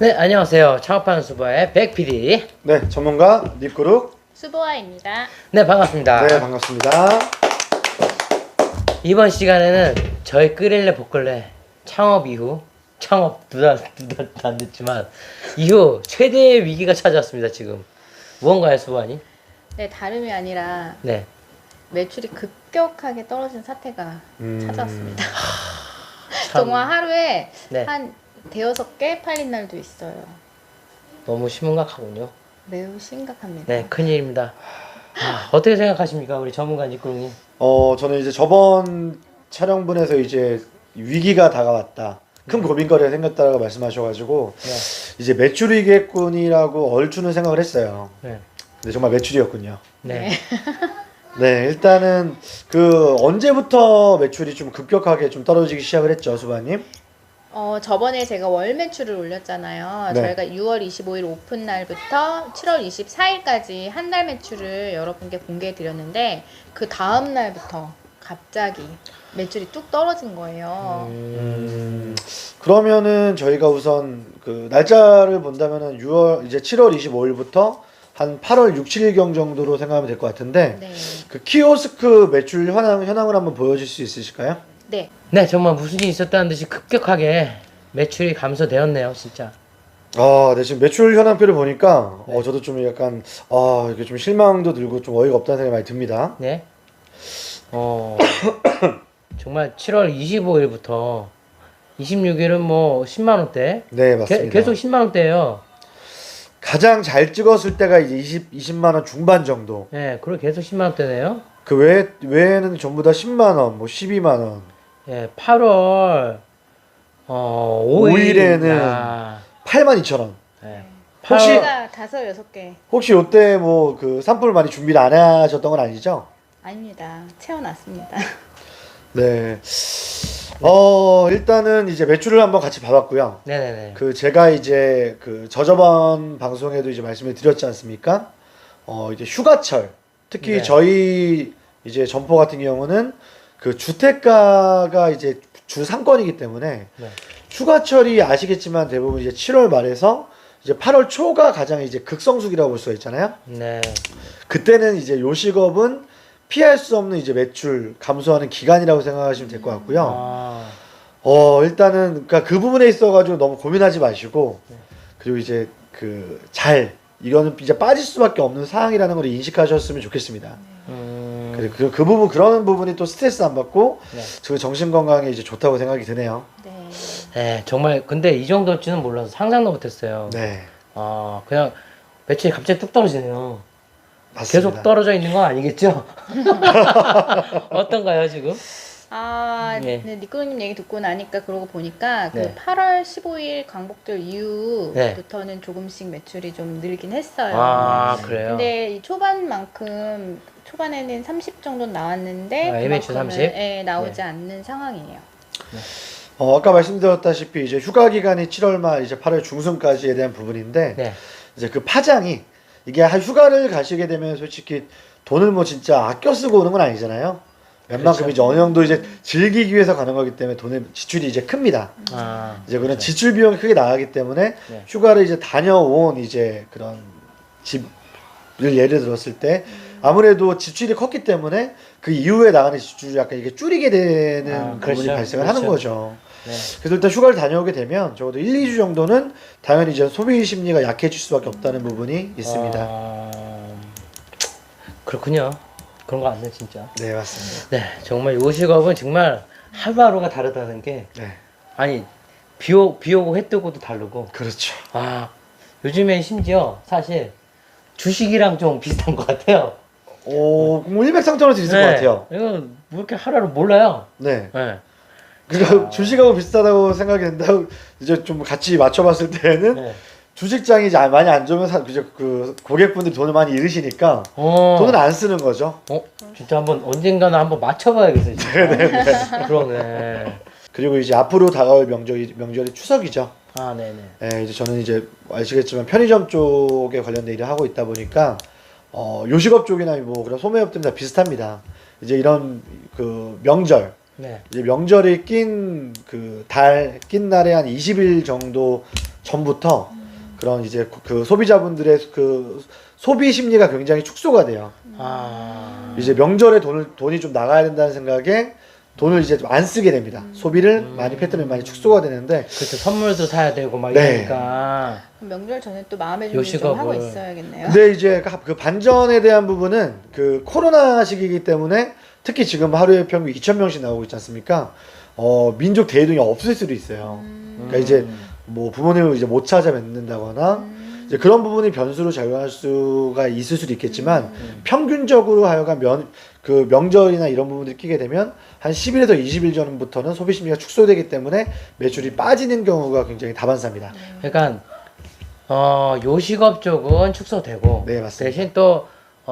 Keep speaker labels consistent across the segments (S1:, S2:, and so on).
S1: 네, 안녕하세요. 창업하는 수바의 백 PD.
S2: 네, 전문가 립그룹.
S3: 수보아입니다.
S1: 네, 반갑습니다.
S2: 네, 반갑습니다.
S1: 이번 시간에는 저희 끓일래 볶을래 창업 이후 창업 두 달 안 됐지만 이후 최대의 위기가 찾아왔습니다. 지금 무언가요, 수바니?
S3: 네, 다름이 아니라
S1: 네.
S3: 매출이 급격하게 떨어진 사태가 찾아왔습니다.
S1: 참
S3: 정말 하루에
S1: 네.
S3: 한 대여섯 개 팔린 날도 있어요.
S1: 너무 심각하군요.
S3: 매우 심각합니다.
S1: 네, 큰일입니다. 어떻게 생각하십니까, 우리 전문가 니꾸룽님?
S2: 저는 이제 저번 촬영분에서 이제 위기가 다가왔다. 큰 고민거리가 생겼다라고 말씀하셔가지고
S1: 네.
S2: 이제 매출이겠군이라고 얼추는 생각을 했어요.
S1: 네.
S2: 근데 정말 매출이었군요.
S1: 네.
S2: 네, 일단은 그 언제부터 매출이 좀 급격하게 좀 떨어지기 시작을 했죠, 수바님?
S3: 저번에 제가 월 매출을 올렸잖아요.
S2: 네.
S3: 저희가 6월 25일 오픈 날부터 7월 24일까지 한 달 매출을 여러분께 공개해 드렸는데 그 다음 날부터 갑자기 매출이 뚝 떨어진 거예요.
S2: 그러면은 저희가 우선 그 날짜를 본다면은 6월 이제 7월 25일부터 한 8월 6, 7일경 정도로 생각하면 될 것 같은데
S3: 네.
S2: 그 키오스크 매출 현황을 한번 보여줄 수 있으실까요?
S3: 네.
S1: 네, 정말 무슨 일이 있었다는 듯이 급격하게 매출이 감소되었네요, 진짜.
S2: 네, 지금 매출 현황표를 보니까
S1: 네.
S2: 저도 좀 약간 이게 좀 실망도 들고 좀 어이가 없다는 생각이 많이 듭니다.
S1: 네. 정말 7월 25일부터 26일은 뭐 10만 원대.
S2: 네, 맞습니다.
S1: 계속 10만 원대예요.
S2: 가장 잘 찍었을 때가 이제 20만 원 중반 정도.
S1: 예, 그리고 계속 10만 원대네요.
S2: 그 외에는 전부 다 10만 원, 뭐 12만 원.
S1: 예, 8월 5일
S2: 5일에는 82,000원.
S1: 예,
S2: 혹시-
S3: 제가 5, 6개
S2: 혹시 요때 뭐 그 산불 많이 준비를 안 하셨던 건 아니죠?
S3: 아닙니다. 채워놨습니다.
S2: 네. 일단은 이제 매출을 한번 같이 봐봤고요.
S1: 네네네.
S2: 그 제가 이제 그 저저번 방송에도 이제 말씀을 드렸지 않습니까? 이제 휴가철 특히
S1: 네.
S2: 저희 이제 점포 같은 경우는 그 주택가가 이제 주 상권이기 때문에
S1: 네.
S2: 휴가철이 아시겠지만 대부분 이제 7월 말에서 이제 8월 초가 가장 이제 극성수기라고 볼 수가 있잖아요.
S1: 네.
S2: 그때는 이제 요식업은 피할 수 없는 이제 매출 감소하는 기간이라고 생각하시면 될 것 같고요.
S1: 아,
S2: 일단은 그러니까 그 부분에 있어가지고 너무 고민하지 마시고
S1: 네.
S2: 그리고 이제 이거는 이제 빠질 수밖에 없는 상황이라는 걸 인식하셨으면 좋겠습니다. 그리고 그 부분 그런 부분이 또 스트레스 안 받고
S1: 네.
S2: 그 정신 건강에 이제 좋다고 생각이 드네요.
S3: 네.
S1: 네, 정말 근데 이 정도일 줄은 몰라서 상상도 못했어요.
S2: 네,
S1: 그냥 매출이 갑자기 뚝 떨어지네요.
S2: 맞습니다.
S1: 계속 떨어져 있는 건 아니겠죠? 어떤가요, 지금?
S3: 네,
S1: 네.
S3: 니꾸님 얘기 듣고 나니까 그러고 보니까 그
S1: 네.
S3: 8월 15일 광복절 이후부터는 조금씩 매출이 좀 늘긴 했어요.
S1: 그래요?
S3: 근데 이 초반만큼 초반에는 30 정도 나왔는데
S1: 예매출
S3: 그만큼은,
S1: 30?
S3: 예, 나오지
S1: 네.
S3: 않는 상황이에요.
S2: 아까 말씀드렸다시피 이제 휴가 기간이 7월 말 이제 8월 중순까지에 대한 부분인데
S1: 네.
S2: 이제 그 파장이 이게 휴가를 가시게 되면 솔직히 돈을 뭐 진짜 아껴 쓰고 오는 건 아니잖아요. 웬만큼
S1: 그렇죠.
S2: 이제 어느 정도 이제 즐기기 위해서 가는 거기 때문에 돈의 지출이 이제 큽니다. 이제 그런
S1: 그렇죠.
S2: 지출 비용이 크게 나가기 때문에
S1: 네.
S2: 휴가를 이제 다녀온 이제 그런 집을 예를 들었을 때 아무래도 지출이 컸기 때문에 그 이후에 나가는 지출이 약간 이게 줄이게 되는 부분이
S1: 그렇죠.
S2: 발생을
S1: 그렇죠.
S2: 하는 거죠.
S1: 네.
S2: 그래서 일단 휴가를 다녀오게 되면 적어도 1, 2주 정도는 당연히 이제 소비 심리가 약해질 수밖에 없다는 부분이 있습니다.
S1: 그렇군요. 그런 거 같네, 진짜.
S2: 네, 맞습니다.
S1: 네, 정말 요식업은 정말 하루하루가 다르다는 게,
S2: 네,
S1: 아니, 비 오고 해 뜨고도 다르고,
S2: 그렇죠.
S1: 요즘에 심지어 사실 주식이랑 좀 비슷한 것 같아요.
S2: 뭐 일맥상통할 수 있을 것 같아요.
S1: 이거 뭐 이렇게 하루하루 몰라요.
S2: 네.
S1: 네.
S2: 그러니까 주식하고 비슷하다고 생각이 된다고 이제 좀 같이 맞춰봤을 때는
S1: 네.
S2: 주식장이 이제 많이 안 좋으면 그 고객분들이 돈을 많이 잃으시니까 돈을 안 쓰는 거죠.
S1: 진짜 언젠가는 한번 맞춰봐야겠어요. 진짜. 그러네.
S2: 그리고 이제 앞으로 다가올 명절이 추석이죠.
S1: 네네.
S2: 네, 이제 저는 이제 아시겠지만 편의점 쪽에 관련된 일을 하고 있다 보니까 요식업 쪽이나 뭐 그런 소매업들은 다 비슷합니다. 이제 이런 그 명절
S1: 네.
S2: 이제 명절이 낀 날에 한 20일 정도 전부터 그런 이제 그 소비자분들의 그 소비 심리가 굉장히 축소가 돼요. 이제 명절에 돈이 좀 나가야 된다는 생각에 돈을 이제 좀 안 쓰게 됩니다. 소비를 많이 패턴이 많이 축소가 되는데
S1: 그렇죠. 선물도 사야 되고 막
S2: 네.
S1: 이러니까.
S3: 그럼 명절 전에 또 마음의 준비 좀 하고
S1: 요식업을.
S3: 있어야겠네요.
S2: 근데 이제 그 반전에 대한 부분은 그 코로나 시기이기 때문에 특히 지금 하루에 평균 2,000명씩 나오고 있지 않습니까? 민족 대이동이 없을 수도 있어요. 그러니까 이제 뭐 부모님을 이제 못 찾아뵙는다거나 이제 그런 부분이 변수로 작용할 수가 있을 수도 있겠지만 평균적으로 하여간 그 명절이나 이런 부분들이 끼게 되면 한 10일에서 20일 전부터는 소비 심리가 축소되기 때문에 매출이 빠지는 경우가 굉장히 다반사입니다.
S1: 그러니까 요식업 쪽은 축소되고
S2: 네, 맞습니다.
S1: 대신 또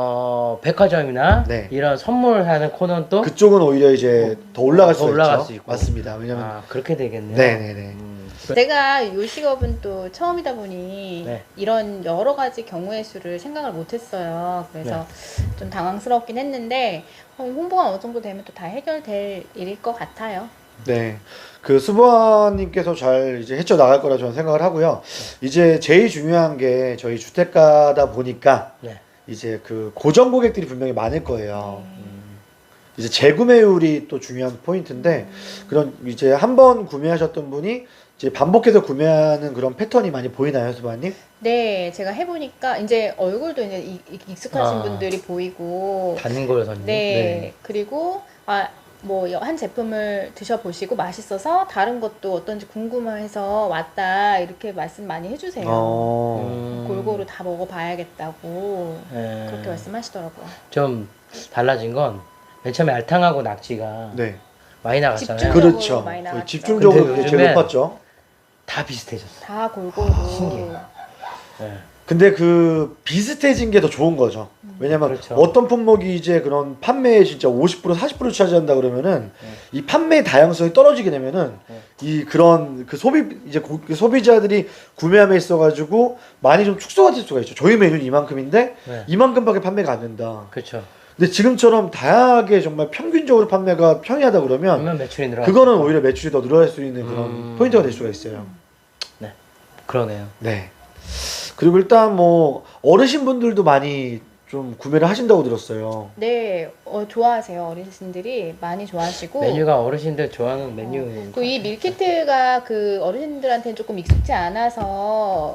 S1: 백화점이나
S2: 네.
S1: 이런 선물하는 코너는 또
S2: 그쪽은 오히려 이제 더 올라갈
S1: 더
S2: 수가
S1: 올라갈
S2: 있죠.
S1: 수 있고.
S2: 맞습니다. 왜냐면
S1: 그렇게 되겠네요.
S2: 네네네.
S3: 제가 요식업은 또 처음이다 보니
S1: 네.
S3: 이런 여러 가지 경우의 수를 생각을 못했어요. 그래서 좀 당황스럽긴 했는데 홍보가 어느 정도 되면 또 다 해결될 일일 것 같아요.
S2: 네. 그 수보아님께서 잘 이제 헤쳐나갈 거라 저는 생각을 하고요. 이제 제일 중요한 게 저희 주택가다 보니까
S1: 네.
S2: 이제 그 고정 고객들이 분명히 많을 거예요. 이제 재구매율이 또 중요한 포인트인데 그런 이제 한 번 구매하셨던 분이 이제 반복해서 구매하는 그런 패턴이 많이 보이나요, 수보아님?
S3: 네, 제가 해보니까 이제 얼굴도 이제 익숙하신 분들이 보이고,
S1: 단골 손님.
S3: 네, 그리고 뭐 한 제품을 드셔보시고 맛있어서 다른 것도 어떤지 궁금해서 왔다 이렇게 말씀 많이 해주세요. 골고루 다 먹어봐야겠다고
S1: 네.
S3: 그렇게 말씀하시더라고요.
S1: 좀 달라진 건 맨 처음에 알탕하고 낙지가
S2: 네.
S1: 많이 나갔잖아요.
S3: 집중적으로
S2: 그렇죠.
S3: 많이 나갔죠.
S2: 집중적으로
S1: 근데
S2: 그게 제일
S1: 요즘엔
S2: 높았죠.
S1: 다 비슷해졌어.
S3: 다 골고루.
S1: 신기해요. 네.
S2: 근데 그 비슷해진 게 더 좋은 거죠. 왜냐면
S1: 그렇죠.
S2: 어떤 품목이 이제 그런 판매에 진짜 50% 40% 차지한다 그러면은 이 판매 다양성이 떨어지게 되면은 이 그런 그 그 소비자들이 구매함에 있어가지고 많이 좀 축소가 될 수가 있죠. 저희 메뉴는 이만큼인데
S1: 네.
S2: 이만큼밖에 판매가 안 된다.
S1: 그렇죠.
S2: 근데 지금처럼 다양하게 정말 평균적으로 판매가 평이하다 그러면
S1: 그러면 매출이 늘어.
S2: 그거는 오히려 매출이 더 늘어날 수 있는 그런 포인트가 될 수가 있어요.
S1: 그러네요.
S2: 네. 그리고 일단 뭐 어르신분들도 많이 좀 구매를 하신다고 들었어요.
S3: 네, 좋아하세요. 어르신들이 많이 좋아하시고.
S1: 메뉴가 어르신들 좋아하는 메뉴.
S3: 그 이 밀키트가 그 어르신들한테는 조금 익숙지 않아서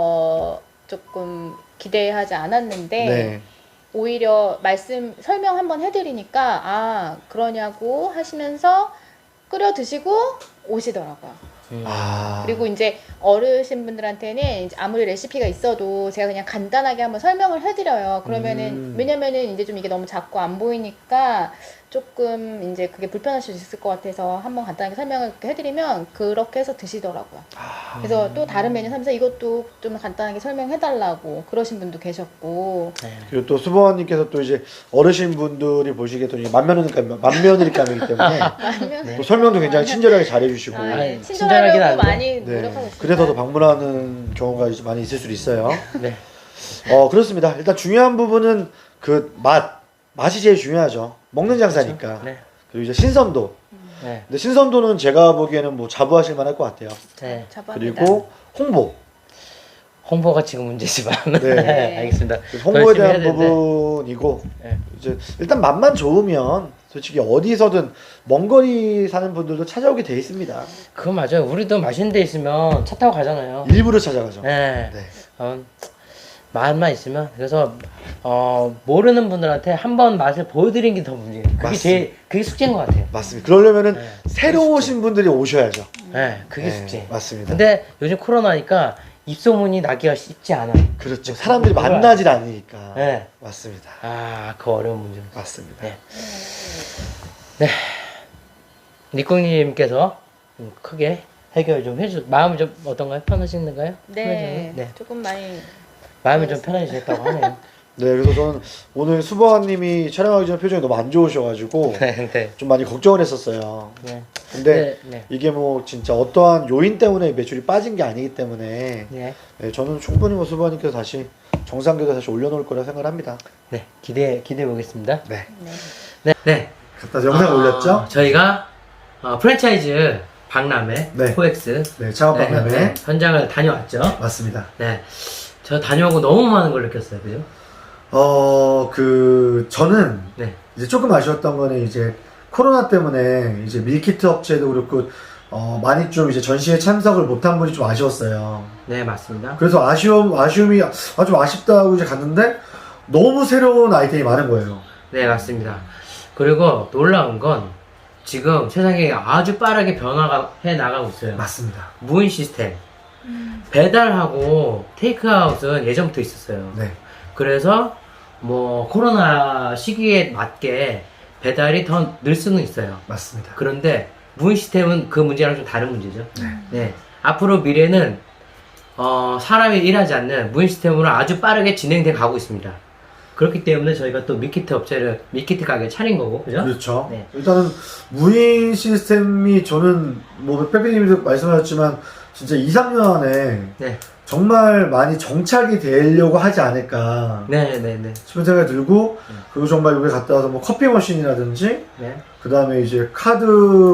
S3: 조금 기대하지 않았는데
S2: 네.
S3: 오히려 설명 한번 해드리니까 그러냐고 하시면서 끓여 드시고 오시더라고요. 그리고 이제 어르신분들한테는 이제 아무리 레시피가 있어도 제가 그냥 간단하게 한번 설명을 해드려요. 그러면은 왜냐면은 이제 좀 이게 너무 작고 안 보이니까 조금 이제 그게 불편하실 수 있을 것 같아서 한번 간단하게 설명을 이렇게 해드리면 그렇게 해서 드시더라고요. 그래서 또 다른 메뉴 사면서 이것도 좀 간단하게 설명해달라고 그러신 분도 계셨고.
S2: 그리고 또 수보원님께서 또 이제 어르신분들이 보시기에 또 만면일감이기 때문에 또 설명도 굉장히 친절하게 잘해주시고
S1: 아니, 친절하긴
S3: 친절하려고
S1: 한데.
S3: 많이
S2: 네.
S3: 노력하고 있습니다.
S2: 그래서 더 방문하는 경우가 이제 많이 있을 수도 있어요.
S1: 네.
S2: 그렇습니다. 일단 중요한 부분은 그 맛이 제일 중요하죠. 먹는 장사니까.
S1: 네.
S2: 그리고 이제 신선도.
S1: 네.
S2: 근데 신선도는 제가 보기에는 뭐 자부하실 만할 것 같아요.
S1: 네.
S3: 자부합니다.
S2: 그리고
S1: 홍보가 지금 문제지만.
S2: 네.
S1: 네. 알겠습니다.
S2: 홍보에
S1: 더 열심히
S2: 대한
S1: 해야 되는데.
S2: 부분이고
S1: 네.
S2: 이제 일단 맛만 좋으면 솔직히 어디서든 먼 거리 사는 분들도 찾아오게 돼 있습니다.
S1: 그거 맞아요. 우리도 맛있는 데 있으면 차 타고 가잖아요.
S2: 일부러 찾아가죠.
S1: 네.
S2: 네.
S1: 맛만 있으면 그래서 모르는 분들한테 한번 맛을 보여드리는 게 더 문제예요. 그게 숙제인 것 같아요.
S2: 맞습니다. 그러려면은
S1: 네.
S2: 새로 오신 분들이 오셔야죠.
S1: 네, 그게
S2: 네,
S1: 숙제.
S2: 맞습니다.
S1: 근데 요즘 코로나니까 입소문이 나기가 쉽지 않아.
S2: 그렇죠. 사람들이 만나질 않으니까.
S1: 네.
S2: 맞습니다.
S1: 그 어려운 문제.
S2: 맞습니다.
S1: 네. 네. 니꿍님께서 크게 해결 좀 마음이 좀 어떤가요? 편하신가요?
S3: 네,
S1: 네.
S3: 조금 많이
S1: 마음이 좀 편해지셨다고 하네요.
S2: 네, 그래서 저는 오늘 수보아님이 촬영하기 전에 표정이 너무 안 좋으셔가지고
S1: 네, 네.
S2: 좀 많이 걱정을 했었어요.
S1: 네.
S2: 근데
S1: 네.
S2: 이게 뭐 진짜 어떠한 요인 때문에 매출이 빠진 게 아니기 때문에
S1: 네.
S2: 네, 저는 충분히 뭐 수보아님께서 다시 정상궤도 다시 올려놓을 거라 생각을 합니다.
S1: 네. 기대해 보겠습니다.
S2: 네.
S1: 네. 네.
S2: 갖다 영상 올렸죠?
S1: 저희가 프랜차이즈 박람회,
S2: 네.
S1: 코엑스
S2: 네, 창업 박람회.
S1: 네, 현장을 다녀왔죠.
S2: 맞습니다.
S1: 네, 저 다녀오고 너무 많은 걸 느꼈어요, 그죠?
S2: 저는
S1: 네,
S2: 이제 조금 아쉬웠던 거는 이제 코로나 때문에 이제 밀키트 업체도 그렇고 많이 좀 이제 전시회 참석을 못한 분이 좀 아쉬웠어요.
S1: 네 맞습니다.
S2: 그래서 아쉬움이 좀 아쉽다고 이제 갔는데 너무 새로운 아이템이 많은 거예요.
S1: 네 맞습니다. 그리고 놀라운 건 지금 세상이 아주 빠르게 변화해 나가고 있어요.
S2: 맞습니다.
S1: 무인 시스템. 배달하고 테이크아웃은 예전부터 있었어요.
S2: 네.
S1: 그래서 뭐 코로나 시기에 맞게 배달이 더 늘 수는 있어요.
S2: 맞습니다.
S1: 그런데 무인 시스템은 그 문제랑 좀 다른 문제죠.
S2: 네.
S1: 네. 앞으로 미래는 사람이 일하지 않는 무인 시스템으로 아주 빠르게 진행돼 가고 있습니다. 그렇기 때문에 저희가 또 밀키트 가게 차린 거고, 그죠?
S2: 그렇죠.
S1: 네.
S2: 일단은 무인 시스템이 저는 뭐 빼빼님도 말씀하셨지만 진짜 2, 3년 안에
S1: 네.
S2: 정말 많이 정착이 되려고 하지 않을까
S1: 네네네.
S2: 싶은 생각이 들고 그리고 정말 여기 갔다 와서 뭐 커피 머신이라든지
S1: 네.
S2: 그 다음에 이제 카드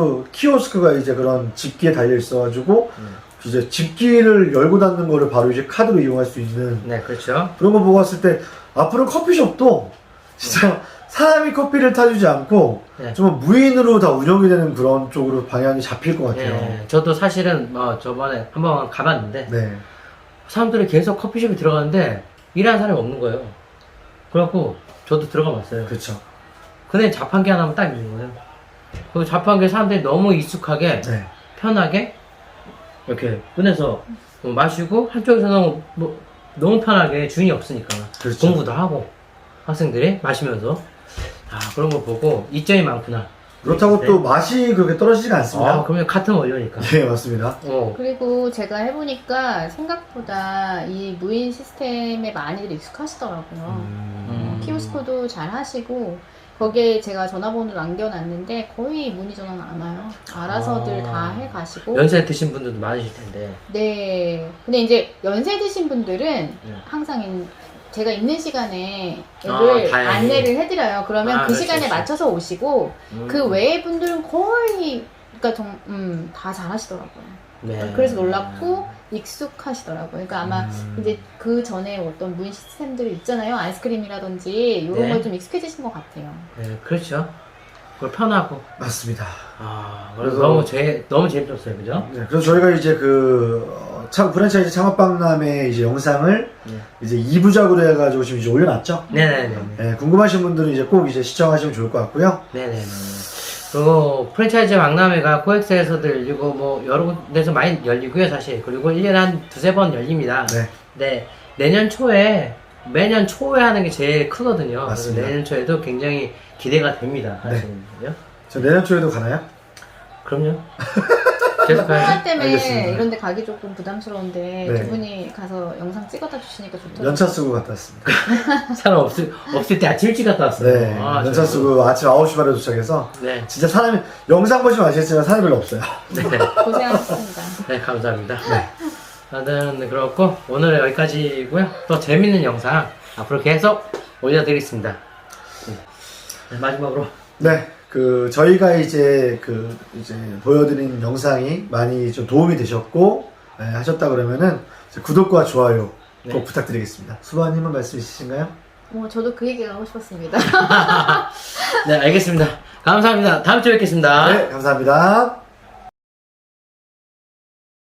S2: 키오스크가 이제 그런 집기에 달려 있어가지고 이제 집기를 열고 닫는 거를 바로 이제 카드로 이용할 수 있는
S1: 네, 그렇죠.
S2: 그런 거 보고 왔을 때 앞으로 커피숍도 진짜 사람이 커피를 타주지 않고
S1: 네.
S2: 좀 무인으로 다 운영이 되는 그런 쪽으로 방향이 잡힐 것 같아요.
S1: 네. 저도 사실은 저번에 한번 가봤는데
S2: 네.
S1: 사람들이 계속 커피숍에 들어가는데 일하는 사람이 없는 거예요. 그래갖고 저도 들어가 봤어요.
S2: 그렇죠.
S1: 근데 자판기 하나만 딱 있는 거예요. 그 자판기에 사람들이 너무 익숙하게
S2: 네.
S1: 편하게 이렇게 꺼내서 마시고 한쪽에서는 너무 편하게 주인이 없으니까
S2: 그렇죠.
S1: 공부도 하고 학생들이 마시면서 그런 걸 보고 이점이 많구나.
S2: 그렇다고
S1: 네.
S2: 또 맛이 그렇게 떨어지지가 않습니다.
S1: 그러면 같은 원료니까.
S2: 네, 맞습니다.
S3: 그리고 제가 해보니까 생각보다 이 무인 시스템에 많이들 익숙하시더라고요. 키오스코도 잘 하시고 거기에 제가 전화번호 남겨놨는데 거의 문의 전화는 안 와요. 알아서들 다 해가시고.
S1: 연세 드신 분들도 많으실 텐데.
S3: 네. 근데 이제 연세 드신 분들은 항상 제가 있는 시간에 를 안내를 해드려요. 그러면 그
S1: 그렇지,
S3: 시간에
S1: 그렇지.
S3: 맞춰서 오시고 그 외의 분들은 거의 그러니까 다 잘하시더라고요.
S1: 네.
S3: 그래서 놀랍고 익숙하시더라고요. 그러니까 아마 이제 그 전에 어떤 무인 시스템들 있잖아요. 아이스크림이라든지 이런
S1: 네.
S3: 거에 좀 익숙해지신 것 같아요.
S1: 네, 그렇죠. 그걸 편하고.
S2: 맞습니다.
S1: 그래서 너무 재밌었어요, 그죠?
S2: 네, 그래서 저희가 이제 프랜차이즈 창업박람회 이제 영상을
S1: 네.
S2: 이제 2부작으로 해가지고 지금 이제 올려놨죠?
S1: 네네네.
S2: 네, 궁금하신 분들은 이제 꼭 이제 시청하시면 좋을 것 같고요.
S1: 네네네. 그리고 프랜차이즈 박람회가 코엑스에서도 열리고 뭐 여러 군데서 많이 열리고요, 사실. 그리고 1년에 한 두세 번 열립니다.
S2: 네.
S1: 네. 매년 초에 하는 게 제일 크거든요.
S2: 맞습니다.
S1: 그래서 내년 초에도 굉장히 기대가 됩니다.
S2: 네.
S1: 사실은요.
S2: 저 내년 초에도 가나요?
S1: 그럼요. 계속 가야죠.
S3: 코로나 때문에
S2: 알겠습니다.
S3: 이런 데 가기 조금 부담스러운데
S2: 네.
S3: 두 분이 가서 영상 찍어다 주시니까 좋더라고요.
S2: 연차 쓰고 갔다 왔습니다.
S1: 사람 없을 때 아침 일찍 갔다 왔어요.
S2: 네, 연차 쓰고 아침 9시 반에 도착해서
S1: 네.
S2: 진짜 사람이 영상 보시면 아시겠지만 사람이 별로 없어요.
S1: 네.
S3: 고생하셨습니다.
S1: 네, 감사합니다. 네, 그렇고 오늘은 여기까지고요. 또 재밌는 영상 앞으로 계속 올려드리겠습니다. 네, 마지막으로
S2: 네, 저희가 이제 이제 보여드린 영상이 많이 좀 도움이 되셨고 하셨다 그러면은 구독과 좋아요 꼭
S1: 네.
S2: 부탁드리겠습니다. 수바님은 말씀 있으신가요?
S3: 저도 그 얘기가 하고 싶었습니다.
S1: 네, 알겠습니다. 감사합니다. 다음 주에 뵙겠습니다.
S2: 네, 감사합니다.